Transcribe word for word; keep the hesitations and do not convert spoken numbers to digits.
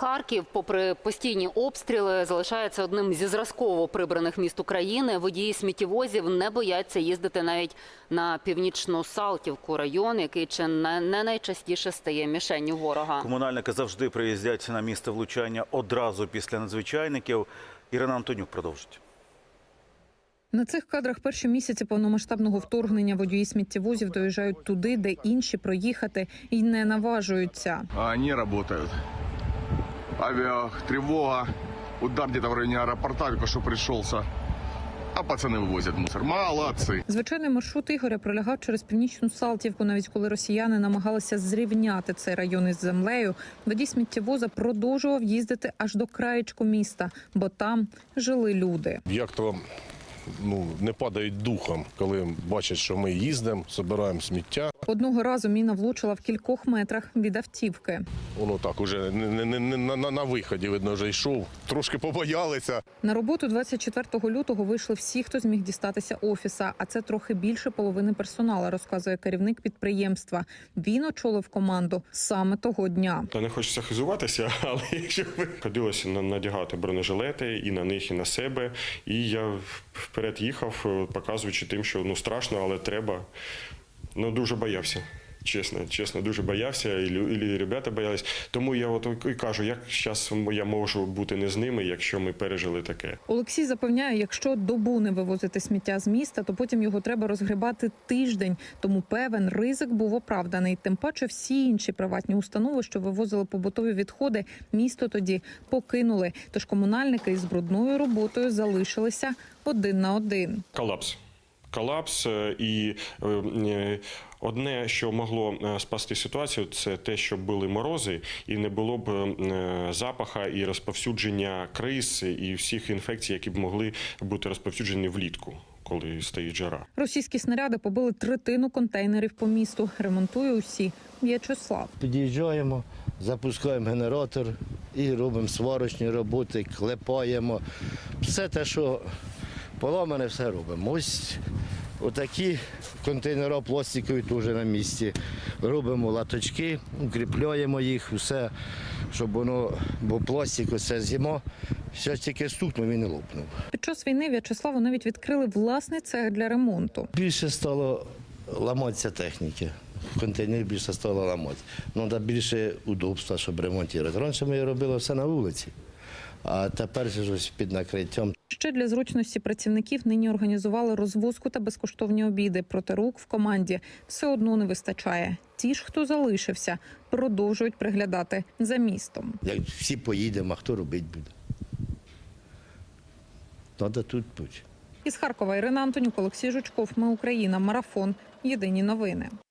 Харків, попри постійні обстріли, залишається одним зі зразково прибраних міст України. Водії сміттєвозів не бояться їздити навіть на Північну-Салтівку, район, який чи не найчастіше стає мішенню ворога. Комунальники завжди приїздять на місце влучання одразу після надзвичайників. Ірина Антонюк продовжить. На цих кадрах перші місяці повномасштабного вторгнення водії сміттєвозів доїжджають туди, де інші проїхати і не наважуються. А вони працюють. Авіатривога, удар десь в районі аеропорта, тільки що прийшовся. А пацани вивозять мусор. Молодці. Звичайний маршрут Ігоря пролягав через Північну Салтівку. Навіть коли росіяни намагалися зрівняти цей район із землею, водій сміттєвоза продовжував їздити аж до краєчку міста, бо там жили люди. Як то ну, не падають духом, коли бачать, що ми їздимо, збираємо сміття. Одного разу міна влучила в кількох метрах від автівки. Воно так уже не, не, не, на, на виході, видно, вже йшов. Трошки побоялися. На роботу двадцять четвертого лютого вийшли всі, хто зміг дістатися офіса. А це трохи більше половини персоналу, розказує керівник підприємства. Він очолив команду саме того дня. Та не хочеться хизуватися, але якщо ви ходилося надягати бронежилети і на них, і на себе. І я вперед їхав, показуючи тим, що ну страшно, але треба. Ну, дуже боявся, чесно, чесно, дуже боявся, і, і ребята боялись. Тому я от і кажу, як зараз я можу бути не з ними, якщо ми пережили таке. Олексій запевняє, якщо добу не вивозити сміття з міста, то потім його треба розгрібати тиждень. Тому певен, ризик був оправданий. Тим паче всі інші приватні установи, що вивозили побутові відходи, місто тоді покинули. Тож комунальники із брудною роботою залишилися один на один. Колапс. Колапс, і одне, що могло спасти ситуацію, це те, щоб були морози і не було б запаха і розповсюдження криз і всіх інфекцій, які б могли бути розповсюджені влітку, коли стоїть жара. Російські снаряди побили третину контейнерів по місту. Ремонтує усі В'ячеслав. Під'їжджаємо, запускаємо генератор і робимо сварочні роботи, клепаємо. Все те, що поламане, все робимо. Ось отакі контейнери пластикові теж на місці. Робимо латочки, укріпляємо їх, все, щоб воно, бо пластик, оце зима, зараз тільки стукнув і не лопнув. Під час війни В'ячеславу навіть відкрили власний цех для ремонту. Більше стало ламатися техніки. Контейнер більше стало ламати. Треба більше удобства, щоб ремонтувати. Раніше ми робили все на вулиці, а тепер ж під накриттям. Ще для зручності працівників нині організували розвозку та безкоштовні обіди. Проте рук в команді все одно не вистачає. Ті ж, хто залишився, продовжують приглядати за містом. Як всі поїдемо, а хто робити буде? Треба тут бути. Із Харкова Ірина Антонюк, Олексій Жучков. Ми Україна. Марафон. Єдині новини.